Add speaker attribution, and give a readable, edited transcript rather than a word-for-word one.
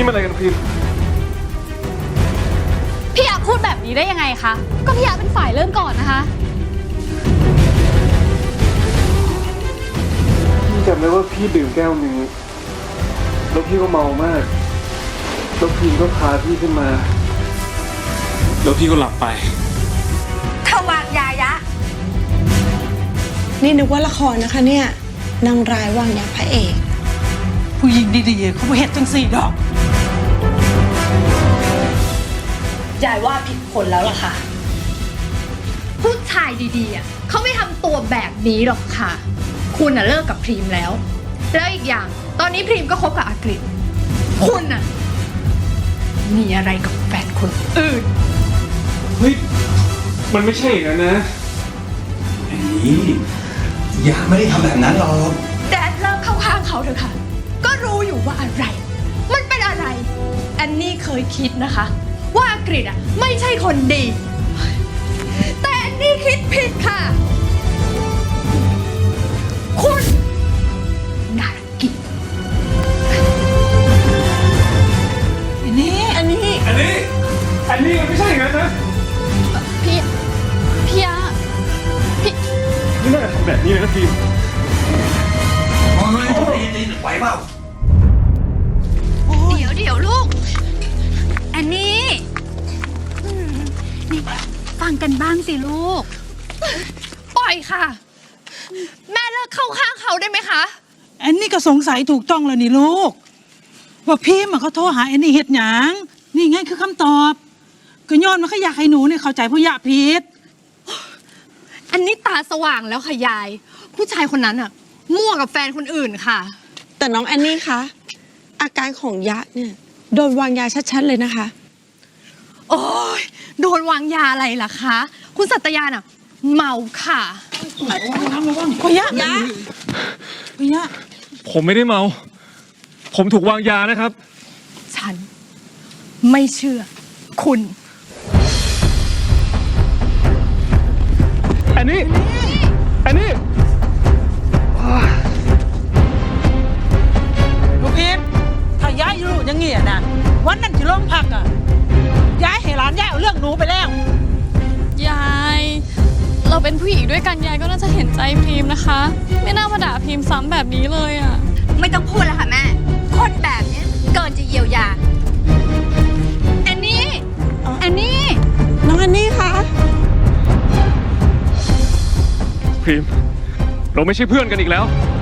Speaker 1: อะไรกันพิมพ์
Speaker 2: พี่ยาพูดแบบนี้ได้ยังไงคะก็พี่ยาเป็นฝ่ายเริ่มก่อนนะคะ
Speaker 1: พี่จำได้ว่าพี่ดื่มแก้วนึงแล้วพี่ก็เมามากแล้วพิมพ์ก็พาพี่ขึ้นมาแล้วพี่ก็หลับไป
Speaker 3: ถ้าวางยายะ
Speaker 4: นี่นึกว่าละครนะคะเนี่ยนางร้ายวางยาพระเอก
Speaker 5: ผู้หญิงดีๆเขาไม่เห็นจังสี่ดอก
Speaker 3: ยายว่าผิดคนแล้วล่ะค่ะ
Speaker 6: ผู้ชายดีๆเขาไม่ทำตัวแบบนี้หรอกค่ะ คุณเลิกกับพรีมแล้ว แล้วอีกอย่างตอนนี้พรีมก็คบกับอากฤษคุณมีอะไรกับแฟนคนอื่น
Speaker 1: เฮ้ยมันไม่ใช่อย่างนั้นนะ
Speaker 7: ไอ้นี่อย่าไม่ได้ทำแบบนั้นหรอก
Speaker 6: แดดเลิกเข้าข้างเขาเถอะค่ะ ก็รู้อยู่ว่าอะไร มันเป็นอะไร แอนนี่เคยคิดนะคะ ว่าอากฤษไม่ใช่คนดี แต่แอนนี่คิดผิดค่ะ คุณน่ารักกิน
Speaker 5: อันนี้
Speaker 1: อันนี้มันไม่ใช่อย่างนั้นนะ
Speaker 2: พี่ยา
Speaker 1: ไม่น่าทำแบบนี้เลยนะพิมพ์
Speaker 7: โอ้ยตีไหวเปล่า
Speaker 6: เดี๋ยวลูก แอนนี่นี่ฟังกันบ้างสิลูก ปล่อยค่ะ แม่เลิกเข้าข้างเขาได้ไหมคะ
Speaker 5: อันนี้ก็สงสัยถูกต้องแล้วนี่ลูก ว่าพี่มันเขาโทรหาอันนี้เฮ็ดหยังนี่ไงคือคำตอบก็ย้อนมาเขาอยากให้หนูเนี่ยเข้าใจผู้ยะผิด
Speaker 6: อันนี้ตาสว่างแล้วค่ะยาย ผู้ชายคนนั้นมั่วกับแฟนคนอื่นค่ะ
Speaker 4: แต่น้องแอนนี่คะอาการของยะเนี่ยโดนวางยาชัดๆเลยนะคะ
Speaker 6: โอ้ยโดนวางยาอะไรล่ะคะ คุณสัตยาเมาค่ะ
Speaker 5: ผู้ยะผู้ยะ
Speaker 1: ผมไม่ได้เมา ผมถูกวางยานะครับ
Speaker 6: ฉันไม่เชื่อ คุณ
Speaker 1: อันนี้
Speaker 5: ลูกพิมพ์ถ้าย้ายอยู่อย่างเงี้ยนะวันนั้นที่โรงพักอ่ะย้ายให้หลานย้ายเอาเรื่องหนูไปแล้ว
Speaker 2: ยาย เราเป็นผู้หญิงด้วยกันยายก็น่าจะเห็นใจพรีมนะคะ ไม่น่ามาด่าพรีมซ้ำแบบนี้เลยอ่ะ
Speaker 3: ไม่ต้องพูดแล้วค่ะแม่ คนแบบนี้เกินจะเยียวยา
Speaker 6: แอนนี่ แอนนี่
Speaker 4: น้องแอนนี่คะ
Speaker 1: พิมพ์เราไม่ใช่เพื่อนกันอีกแล้ว